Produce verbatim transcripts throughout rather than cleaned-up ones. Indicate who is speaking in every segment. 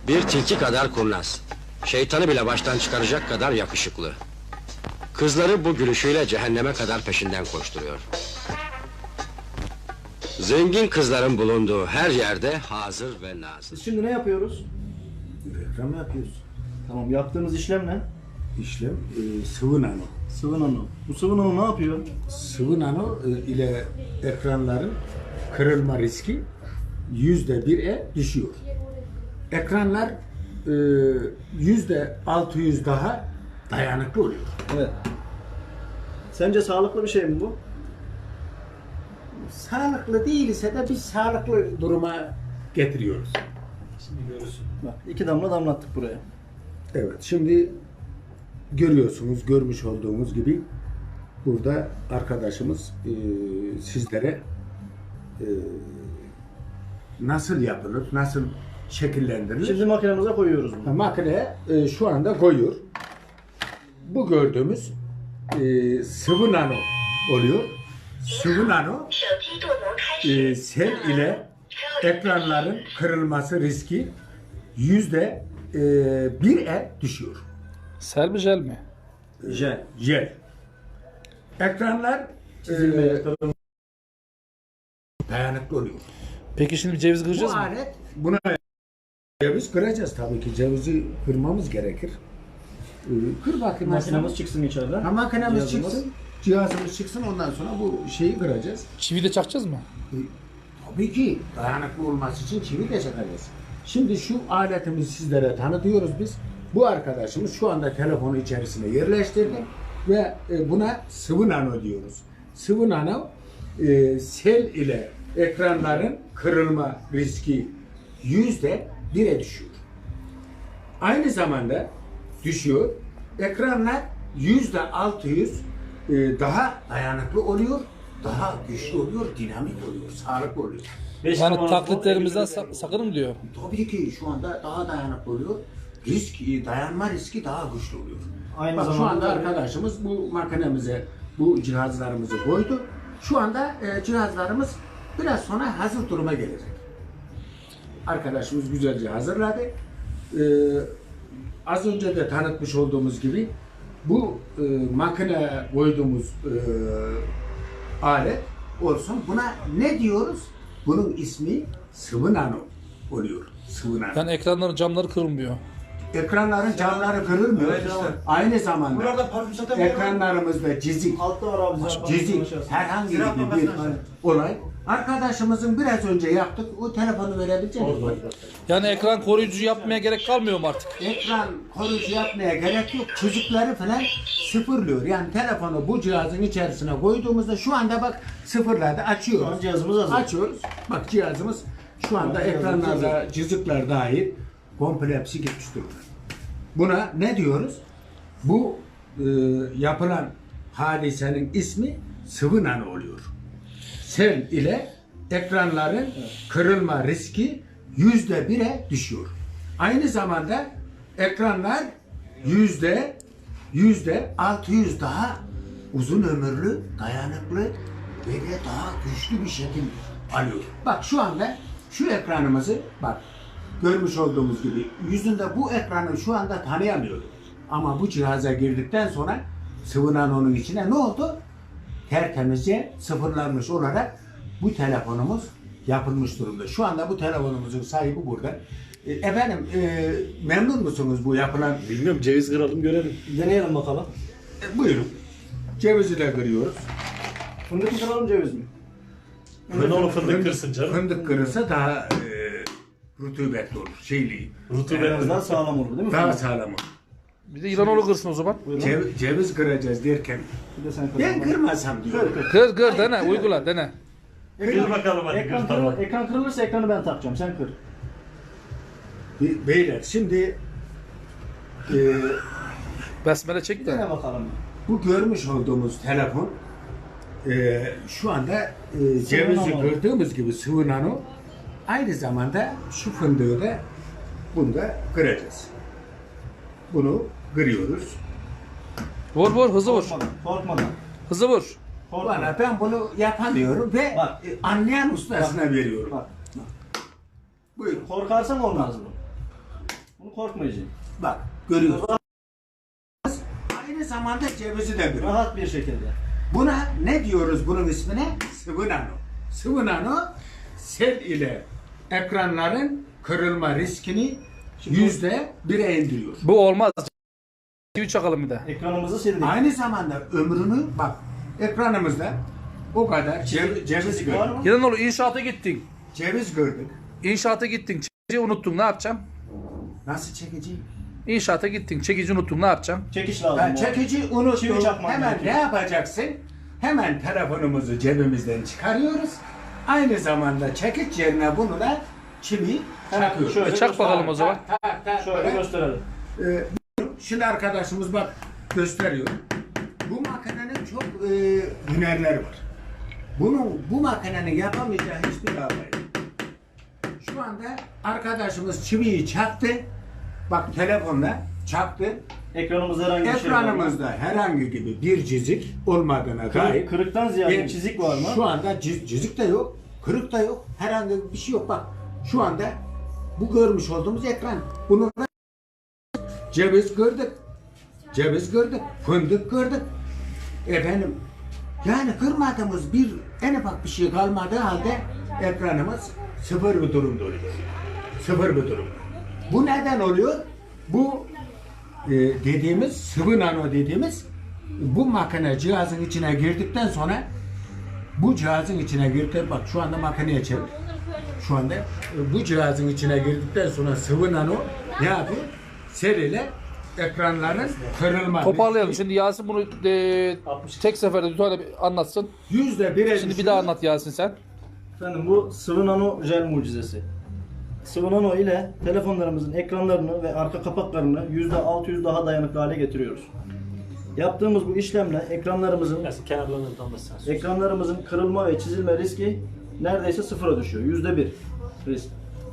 Speaker 1: Bir tilki kadar kurnaz. Şeytanı bile baştan çıkaracak kadar yakışıklı. Kızları bu gülüşüyle cehenneme kadar peşinden koşturuyor. Zengin kızların bulunduğu her yerde hazır ve nazır.
Speaker 2: Biz şimdi ne yapıyoruz?
Speaker 3: Reklam yapıyoruz.
Speaker 2: Tamam, yaptığımız işlem ne?
Speaker 3: İşlem e, sıvı nano.
Speaker 2: Sıvı nano. Bu sıvı nano ne yapıyor?
Speaker 3: Sıvı nano e, ile ekranların kırılma riski yüzde bire düşüyor. Ekranlar e, yüzde altı yüz daha dayanıklı oluyor.
Speaker 2: Evet. Sence sağlıklı bir şey mi bu?
Speaker 3: Sağlıklı değilse de biz sağlıklı duruma getiriyoruz.
Speaker 2: Şimdi görürsün. Bak, iki damla damlattık buraya.
Speaker 3: Evet, şimdi görüyorsunuz, görmüş olduğumuz gibi burada arkadaşımız e, sizlere e, nasıl yapılır, nasıl şekillendirilir?
Speaker 2: Şimdi makinemize koyuyoruz bunu.
Speaker 3: Makineye e, şu anda koyuyor. Bu gördüğümüz e, sıvı nano oluyor. Sıvı nano e, sel ile ekranların kırılması riski yüzde e, bire düşüyor.
Speaker 4: Sel mi jel mi?
Speaker 2: Jel.
Speaker 3: Jel. Ekranlar
Speaker 2: Çizilmeye,
Speaker 3: e, dayanıklı oluyor.
Speaker 4: Peki şimdi bir ceviz kıracağız
Speaker 3: Bu
Speaker 4: mı?
Speaker 3: alet buna ceviz kıracağız tabii ki. Cevizi kırmamız gerekir. Ee, Kır bakayım.
Speaker 2: Makinemiz çıksın içeriden.
Speaker 3: Ha, makinemiz
Speaker 2: Cihazımız.
Speaker 3: çıksın. Cihazımız çıksın, ondan sonra bu şeyi kıracağız.
Speaker 4: Çivi de çakacağız mı?
Speaker 3: Ee, Tabii ki dayanıklı olması için çivi de çakacağız. Şimdi şu aletimizi sizlere tanıtıyoruz biz. Bu arkadaşımız şu anda telefonu içerisine yerleştirdi ve e, buna sıvı nano diyoruz. Sıvı nano e, sel ile ekranların kırılma riski yüzde bire düşüyor. Aynı zamanda düşüyor. Ekranlar yüzde altı yüz e, daha dayanıklı oluyor, daha güçlü oluyor, dinamik oluyor, sağlıklı oluyor.
Speaker 4: Yani taklitlerimizden sak sakının diyor.
Speaker 3: Tabii ki şu anda daha dayanıklı oluyor. Risk, e, dayanma riski daha güçlü oluyor.
Speaker 2: Aynı
Speaker 3: Bak şu
Speaker 2: zamanda
Speaker 3: anda
Speaker 2: tabii-
Speaker 3: arkadaşımız bu makinemize bu cihazlarımızı koydu. Şu anda e, cihazlarımız biraz sonra hazır duruma gelecek. Arkadaşımız güzelce hazırladı. E, az önce de tanıtmış olduğumuz gibi bu e, makine koyduğumuz e, alet olsun. Buna ne diyoruz? Bunun ismi sıvı nano oluyor. Sıvı nano.
Speaker 4: Yani ekranların camları kırılmıyor.
Speaker 3: Ekranların camları kırılmıyor.
Speaker 2: Evet, tamam.
Speaker 3: Aynı zamanda
Speaker 5: Buralarda parfüm satamıyor.
Speaker 3: ekranlarımızda cizik,
Speaker 2: Altta var abi. zaten.
Speaker 3: cizik, herhangi
Speaker 5: Ziraat
Speaker 3: bir
Speaker 5: bankasına
Speaker 3: bir
Speaker 5: aşağı.
Speaker 3: olay. Arkadaşımızın biraz önce yaptık. O telefonu verebilecek misin?
Speaker 4: Yani ekran koruyucu yapmaya gerek kalmıyor mu artık?
Speaker 3: Ekran koruyucu yapmaya gerek yok. Çocukları falan sıfırlıyor. Yani telefonu bu cihazın içerisine koyduğumuzda şu anda bak sıfırladı.
Speaker 2: Şu
Speaker 3: Açıyoruz.
Speaker 2: an cihazımız hazır.
Speaker 3: Açıyoruz. Bak cihazımız şu anda ekranlarda cızıklar dahil komple hepsi gitmiş durumda. Buna ne diyoruz? Bu e, yapılan hadisenin ismi sıvı nano oluyor. Sel ile ekranların kırılma riski yüzde bire düşüyor. Aynı zamanda ekranlar yüzde yüzde altı yüz daha uzun ömürlü, dayanıklı ve de daha güçlü bir şekil alıyor. Bak şu anda şu ekranımızı bak görmüş olduğumuz gibi yüzünde bu ekranı şu anda tanıyamıyorduk. Ama bu cihaza girdikten sonra sıvı nanonun içine ne oldu? Tertemizce sıfırlanmış olarak bu telefonumuz yapılmış durumda. Şu anda bu telefonumuzun sahibi burada. E, efendim e, memnun musunuz bu yapılan?
Speaker 5: Bilmiyorum, ceviz kıralım görelim.
Speaker 2: Deneyelim bakalım.
Speaker 3: E, buyurun. Cevizi de kırıyoruz.
Speaker 2: Fındık mı kıralım, ceviz mi?
Speaker 5: Ben onu fındık kırsın canım.
Speaker 3: Fındık kırılsa daha e, rutubetli olur. Şeyli.
Speaker 5: Rutubet.
Speaker 2: Biraz daha sağlam olur değil mi?
Speaker 3: Daha
Speaker 2: fındık?
Speaker 3: sağlam olur.
Speaker 4: Bir de İlanoğlu kırsın o zaman.
Speaker 2: Buyurun.
Speaker 3: Cev- ceviz kıracağız derken
Speaker 2: Bir de sen kır.
Speaker 3: ben kırmasam diyorum.
Speaker 4: Kır kır dene uygula dene.
Speaker 5: Kır bakalım hadi.
Speaker 2: Ekran,
Speaker 5: Kır, tamam.
Speaker 2: kırılır, ekran kırılırsa ekranı ben takacağım. Sen kır.
Speaker 3: Be- Beyler şimdi e,
Speaker 4: Besmele çek de.
Speaker 2: Dene bakalım.
Speaker 3: bu görmüş olduğumuz telefon e, şu anda e, cevizi
Speaker 2: nano.
Speaker 3: kırdığımız gibi sıvı nano, aynı zamanda şu fındığı da bunu da kıracağız. Bunu kırıyoruz.
Speaker 4: Vur vur hızlı vur.
Speaker 2: Korkmadan. Korkmadan.
Speaker 4: Hızlı vur.
Speaker 2: Korkmadan.
Speaker 3: Bana ben bunu yapamıyorum ve
Speaker 2: Bak.
Speaker 3: e, anlayan ustasına veriyorum.
Speaker 2: Bak.
Speaker 3: Buyurun.
Speaker 2: Korkarsan olmaz bu. Bu korkmayıcı.
Speaker 3: Bak görüyorsunuz. Aynı zamanda cevizi de görüyoruz.
Speaker 2: Rahat bir şekilde.
Speaker 3: Buna ne diyoruz bunun ismine? Sıvı nano. Sıvı nano sel ile ekranların kırılma riskini yüzde bire indiriyor.
Speaker 4: Bu olmaz. Çivi çakalım bir de.
Speaker 2: Ekranımızı sildik.
Speaker 3: Aynı zamanda ömrünü bak ekranımızda o kadar ceviz, ceviz
Speaker 2: Var
Speaker 3: gördük.
Speaker 2: mı?
Speaker 4: Giden oğlu inşaata gittin.
Speaker 3: Ceviz gördük.
Speaker 4: İnşaata gittin. Çekici unuttun ne yapacağım?
Speaker 3: Nasıl çekici?
Speaker 4: İnşaata gittin. Çekici unuttun ne yapacağım?
Speaker 2: Çekiş lazım.
Speaker 3: Ha,
Speaker 2: o.
Speaker 3: çekici
Speaker 2: Çivi
Speaker 3: unuttuk.
Speaker 2: çakmak
Speaker 3: Hemen
Speaker 2: gerekiyor.
Speaker 3: ne yapacaksın? Hemen telefonumuzu cebimizden çıkarıyoruz. Aynı zamanda çekiç yerine bunu da çivi
Speaker 2: Hemen
Speaker 3: çakıyoruz.
Speaker 2: şöyle
Speaker 4: E, çak
Speaker 2: göster-
Speaker 4: bakalım o zaman.
Speaker 3: Tak, tak, tak,
Speaker 2: Şöyle
Speaker 3: böyle.
Speaker 2: gösterelim.
Speaker 3: Ee, şimdi arkadaşımız bak gösteriyor. Bu makinenin çok e, hünerleri var. Bunun bu makinenin yapamayacağı hiçbir hava yok. Şu anda arkadaşımız çiviyi çaktı. Bak telefonla çaktı.
Speaker 2: Ekranımızda herhangi bir şey var mı?
Speaker 3: Ekranımızda herhangi gibi bir çizik olmadığına dair.
Speaker 2: Kırık, kırıktan ziyade
Speaker 3: bir-
Speaker 2: çizik var mı?
Speaker 3: Şu anda ciz- çizik de yok, kırık da yok, herhangi bir şey yok. Bak şu anda bu görmüş olduğumuz ekran. Bunu ceviz gördük, ceviz gördük, fındık gördük. Efendim yani kırmadığımız bir en ufak bir şey kalmadığı halde ekranımız sıfır bir durumda oluyor. Sıfır bir durumda. Bu neden oluyor? Bu e, dediğimiz sıvı nano dediğimiz bu makine cihazın içine girdikten sonra bu cihazın içine girdi. Bak şu anda makineye çevir. Şu anda e, bu cihazın içine girdikten sonra sıvı nano ne yapıyor? Seriyle ekranların kırılma.
Speaker 4: Toparlayalım. Şimdi Yasin bunu e, tek seferde bir tane bir anlatsın.
Speaker 3: Yüzde bire
Speaker 4: Şimdi bir
Speaker 3: düşüyor.
Speaker 4: daha anlat Yasin sen.
Speaker 2: Efendim bu sıvı nano jel mucizesi. Sıvı nano ile telefonlarımızın ekranlarını ve arka kapaklarını yüzde altı yüz daha dayanıklı hale getiriyoruz. Yaptığımız bu işlemle ekranlarımızın
Speaker 5: Yasin kenarlarını tam da sen.
Speaker 2: ekranlarımızın kırılma ve çizilme riski neredeyse sıfıra düşüyor. Yüzde bir risk.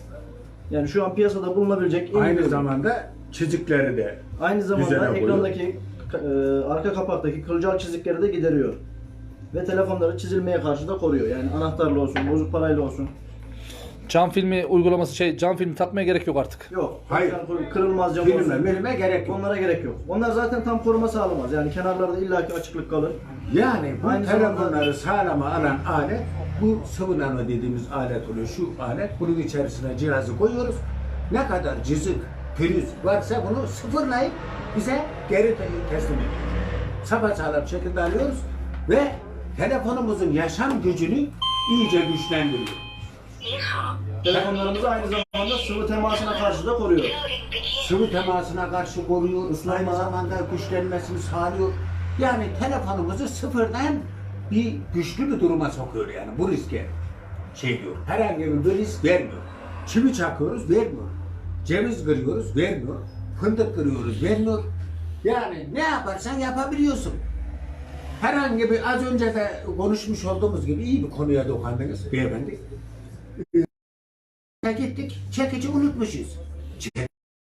Speaker 2: Yani şu an piyasada bulunabilecek en
Speaker 3: Aynı
Speaker 2: iyi-
Speaker 3: zamanda çizikleri de
Speaker 2: aynı
Speaker 3: Düzene
Speaker 2: zamanda
Speaker 3: koyuyor.
Speaker 2: ekrandaki e, arka kapaktaki kılcal çizikleri de gideriyor. Ve telefonları çizilmeye karşı da koruyor. Yani anahtarlı olsun, bozuk parayla olsun.
Speaker 4: Cam filmi uygulaması şey cam filmi takmaya gerek yok artık.
Speaker 2: Yok.
Speaker 3: Hayır.
Speaker 2: ekran kırılmaz cam
Speaker 3: filme
Speaker 2: olsun.
Speaker 3: milime gerek yok.
Speaker 2: Onlara gerek yok. Onlar zaten tam koruma sağlamaz. Yani kenarlarda illaki açıklık kalır.
Speaker 3: Yani bu
Speaker 2: Aynı
Speaker 3: telefonları
Speaker 2: zamanda-
Speaker 3: sağlama alan alet bu sıvı nano dediğimiz alet oluyor. Şu alet bunun içerisine cihazı koyuyoruz. Ne kadar cızık, pürüz varsa bunu sıfırlayıp bize geri te- teslim ediyor. Sapasağlam şekilde alıyoruz ve telefonumuzun yaşam gücünü iyice güçlendiriyor.
Speaker 2: Telefonlarımızı aynı zamanda sıvı temasına karşı da koruyor.
Speaker 3: Sıvı temasına karşı koruyor,
Speaker 2: Islanma.
Speaker 3: aynı zamanda güçlenmesini sağlıyor. Yani telefonumuzu sıfırdan bir güçlü bir duruma sokuyor yani bu riske şey diyor. Herhangi bir risk vermiyor. Çivi çakıyoruz vermiyor. Ceviz kırıyoruz vermiyor. Fındık kırıyoruz vermiyor. Yani ne yaparsan yapabiliyorsun. Herhangi bir az önce de konuşmuş olduğumuz gibi iyi bir konuya dokandınız beyefendi. Ee, gittik çekici unutmuşuz. Çekici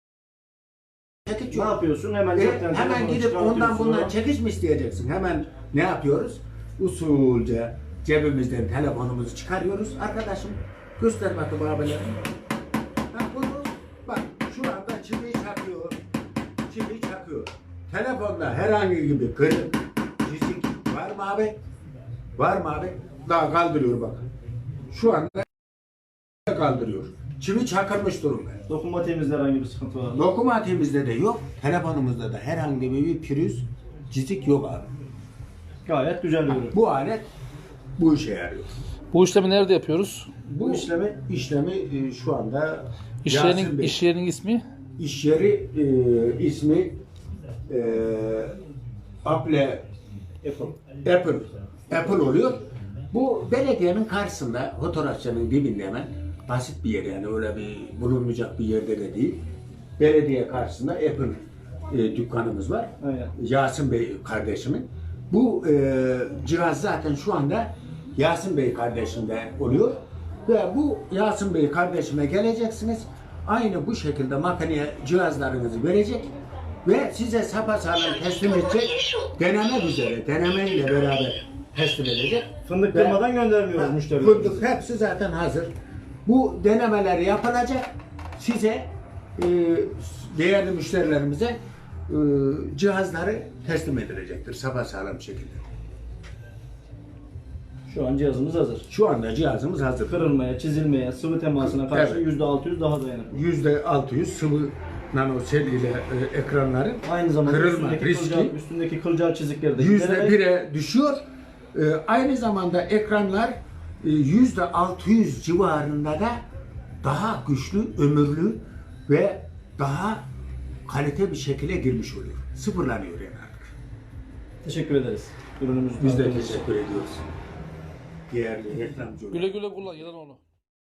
Speaker 2: Ne
Speaker 3: yok.
Speaker 2: yapıyorsun? Hemen
Speaker 3: E,
Speaker 2: cepten
Speaker 3: hemen
Speaker 2: telefonu
Speaker 3: gidip ondan
Speaker 2: çıkartıyorsun.
Speaker 3: bundan çekiş mi isteyeceksin? Hemen ne yapıyoruz? Usulca cebimizden telefonumuzu çıkarıyoruz. Arkadaşım göster bakayım abilerim. Ha, bunu bak şu anda çivi çakıyor. Çivi çakıyor. Telefonda herhangi bir kırık, çizik var mı abi? Var mı abi? Daha kaldırıyor bak. Şu anda kaldırıyor. Çivi çakılmış durumda.
Speaker 2: Dokunmatiğimizde herhangi bir sıkıntı var mı?
Speaker 3: Lokomotifimizde de yok, telefonumuzda da herhangi bir pürüz, çizik yok abi.
Speaker 2: Gayet güzel bir ürün.
Speaker 3: Bu alet bu işe yarıyor.
Speaker 4: Bu işlemi nerede yapıyoruz?
Speaker 3: Bu
Speaker 2: işlemi-
Speaker 3: işlemi e, şu anda
Speaker 4: İş
Speaker 3: Yasin
Speaker 4: yerinin,
Speaker 3: Bey,
Speaker 4: iş yerinin ismi?
Speaker 3: iş yeri e, ismi e, Apple
Speaker 2: Apple.
Speaker 3: Apple Apple oluyor. Bu belediyenin karşısında fotoğrafçının dibinde hemen basit bir yer yani öyle bir bulunmayacak bir yerde de değil. Belediye karşısında Apple e, dükkanımız var.
Speaker 2: Aynen.
Speaker 3: Yasin Bey kardeşimin. Bu e, cihaz zaten şu anda Yasin Bey kardeşimde oluyor. Ve bu Yasin Bey kardeşime geleceksiniz. Aynı bu şekilde makineye cihazlarınızı verecek ve size sapasağlam teslim edecek. Deneme üzere, denemeyle beraber teslim edecek.
Speaker 2: Fındık
Speaker 3: Ve-
Speaker 2: kırmadan göndermiyoruz müşterilerimize.
Speaker 3: Fındık hepsi zaten hazır. Bu denemeler yapılacak. Size e, değerli müşterilerimize e, cihazları teslim edilecektir sapasağlam şekilde.
Speaker 2: Şu an cihazımız hazır.
Speaker 3: Şu anda cihazımız hazır.
Speaker 2: Kırılmaya, çizilmeye, sıvı temasına karşı
Speaker 3: Evet.
Speaker 2: yüzde altı yüz daha dayanıklı.
Speaker 3: yüzde altı yüz sıvı nanosel ile e, ekranların
Speaker 2: Aynı zamanda
Speaker 3: kırılma
Speaker 2: üstündeki
Speaker 3: riski
Speaker 2: kılcal, üstündeki kılcal çizikleri de
Speaker 3: yüzde
Speaker 2: gidererek
Speaker 3: bire düşüyor. E, aynı zamanda ekranlar e, yüzde altı yüz civarında da daha güçlü, ömürlü ve daha kalite bir şekilde girmiş oluyor. Sıfırlanıyor yani artık.
Speaker 2: teşekkür ederiz. Ürünümüzü
Speaker 3: Biz de
Speaker 2: tanıttığınız için.
Speaker 3: teşekkür ediyoruz. Değerli reklamcı olarak.
Speaker 4: Güle güle kullan Yılanoğlu.